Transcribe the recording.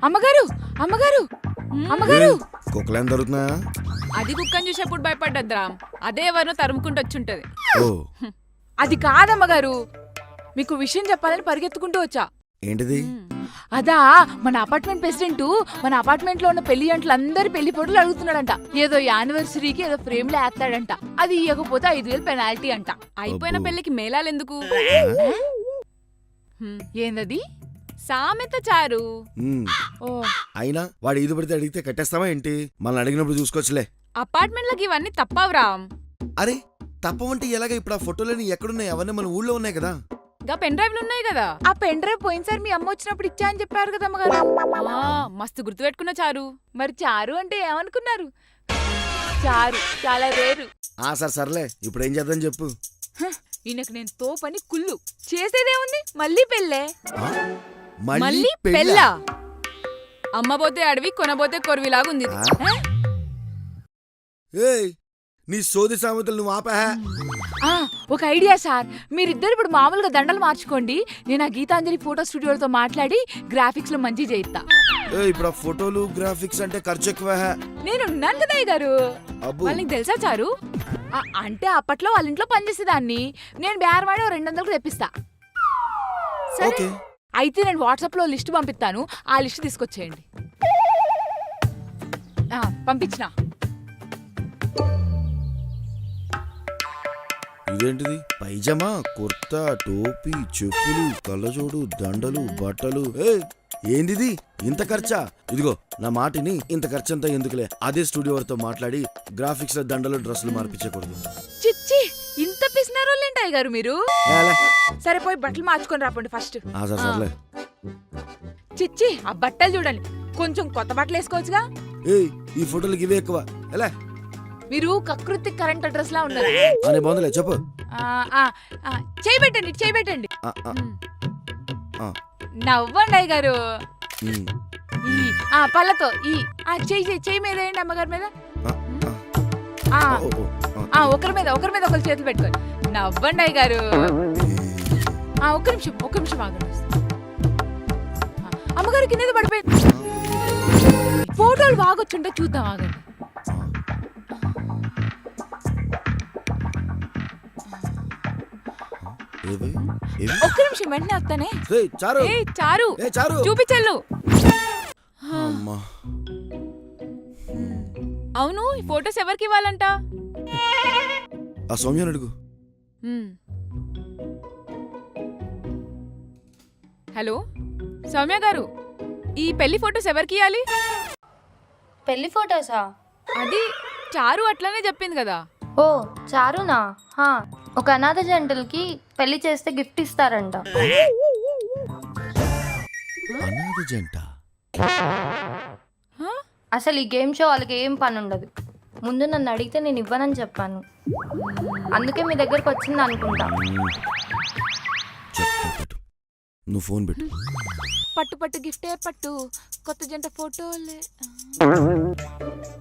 అమ్మగారు అమ్మగారు అమ్మగారు కుక్కలేం దొరుకుతున్నాయా? అది కుక్కని చూసేప్పుడు భయపడ్డద్రా, అదే ఎవరినో తరుముకుంటూ వచ్చుంటది. ఓ అది కాదమ్మగారు, మీకు విషయం చెప్పాలని పరిగెత్తుకుంటూ వచ్చా. ఏంటిది? అదా మన అపార్ట్మెంట్ ప్రెసిడెంట్ మన అపార్ట్మెంట్ లో ఉన్న పెళ్లి అంట్లందరి పెళ్లి ఫోటోలు అడుగుతున్నాడంట. ఏదో యానివర్సరీకి ఏదో ఫ్రేమ్ లో వేస్తాడంట. అది ఇవ్వకపోతే 5,000 పెనాల్టీ అంట. అయిపోయిన పెళ్లికి మేళాలెందుకు? ఏందది? సామెత చారు. ఓ అయినా వాడు ఈదు పడితే అడిగితే కట్టేస్తావా ఏంటి? మనల్ని అడిగినప్పుడు చూసుకోవచ్చులే. అపార్ట్మెంట్లకి ఇవన్నీ తప్పవురా. అరే తప్పవంటే ఎలాగ? ఇప్పుడు ఆ ఫోటోలని ఎక్కడున్నాయి? అవన్నీ మన ఊళ్ళో ఉన్నాయి కదా. గా పెన్ డ్రైవ్లు ఉన్నాయి కదా. ఆ పెన్ డ్రైవ్ పోయినసారి మీ అమ్మ వచ్చినప్పుడు ఇచ్చా అని చెప్పారు కదా అమ్మగారు. మస్తు గుర్తు పెట్టుకున్న చారు. మరి చారు అంటే ఏమనుకున్నారు? చారు చాలా రేరు. సర్లే, ఇప్పుడు ఏం చేద్దాం చెప్పు. ఈయనకు నేను తోపని కుళ్ళు. చేసేదేముంది, మళ్ళీ పెళ్ళే. మళ్ళీ పెళ్ళా? అమ్మబోతే అడవి కొనబోతే కొరవిలాగుంది. ఏయ్ నీ సోది సామెతలు నువ్వు ఆపా. ఒక ఐడియా సార్, మీరిద్దరు ఇప్పుడు మామూలుగా దండలు మార్చుకోండి. నేను ఆ గీతాంజలి ఫోటో స్టూడియోతో మాట్లాడి గ్రాఫిక్స్ లో మంచి చేయిస్తా. ఇప్పుడు ఆ ఫోటోలు గ్రాఫిక్స్ అంటే ఖర్చు ఎక్కువ. నేను ఉన్నాను కదా గారు. వాళ్ళకి తెలుసా చారు? అంటే అప్పట్లో వాళ్ళ ఇంట్లో పనిచేసేదాన్ని. నేను బేరవాడి 200కు తెప్పిస్తా. సరే అయితే నేను వాట్సాప్ లో లిస్ట్ పంపిస్తాను, ఆ లిస్ట్ తీసుకొచ్చేయండి. పంపించిన. ఇదేంటిది? పైజమా, కుర్తా, టోపీ, చెప్పులు, కళ్ళజోడు, దండలు, బట్టలు. ఏందిది? ఇంత ఖర్చా? ఇదిగో నా మాటిని, ఇంత ఖర్చంతా ఎందుకులే. అదే స్టూడియో వారితో మాట్లాడి గ్రాఫిక్స్ లో దండలు డ్రెస్సులు మార్పించకూడదు. చిచ్చి, ఇంత పిసినారోళ్ళేంటాయి గారు మీరు. సరే పోయి బట్టలు మార్చుకొని రాపండి ఫస్ట్. సర్లే. చిచ్చి, ఆ బట్టలు చూడండి, కొంచెం కొత్త బట్టలు వేసుకోవచ్చుగా. ఈ ఫోటోలకి ఇవే ఎక్కువ. ఎలా మీరు కకృతి కరెంట్ అడ్రస్ లా ఉన్నారు. అనే బాగుందిలే చెప్పు. చేయబెట్టండి చేయబెట్టండి. నవ్వండి అయ్య గారు. పళ్ళతో చెయ్యి మీద వేయండి, అమ్మగారి మీద. ఒకరి మీద ఒకరి చేతులు పెట్టుకోండి. నవ్వండి అయ్య గారు. ఒక్క నిమిషం ఆగండి. అమ్మగారు కింద పడిపోయింది. ఫోటోలు బాగొచ్చుంటే చూద్దాం, ఆగండి. ఒక్క నిమిషం, వెంటనే వస్తానే. చారు చూపించల్లు. అవును, ఈ ఫోటోస్ ఎవరికి ఇవ్వాలంట? ఆ సౌమ్యని అడుగు. హలో సౌమ్య గారు, ఈ పెళ్లి ఫోటోస్ ఎవరికి ఇవ్వాలి? పెళ్లి ఫోటోసా? అది చారు అట్లనే చెప్పింది కదా. ఓ చారునా? ఒక అనాథ జంటలకి పెళ్లి చేస్తే గిఫ్ట్ ఇస్తారంట. అనాథ జంట? అసలు ఈ గేమ్ షో వాళ్ళకి ఏం పని ఉండదు. ముందు నన్ను అడిగితే నేను ఇవ్వనని చెప్పాను, అందుకే మీ దగ్గరకు వచ్చింది అనుకుంటా. నువ్వు ఫోన్ పెట్టు. పట్టు గిఫ్టే పట్టు, కొత్త జంట ఫోటోలే.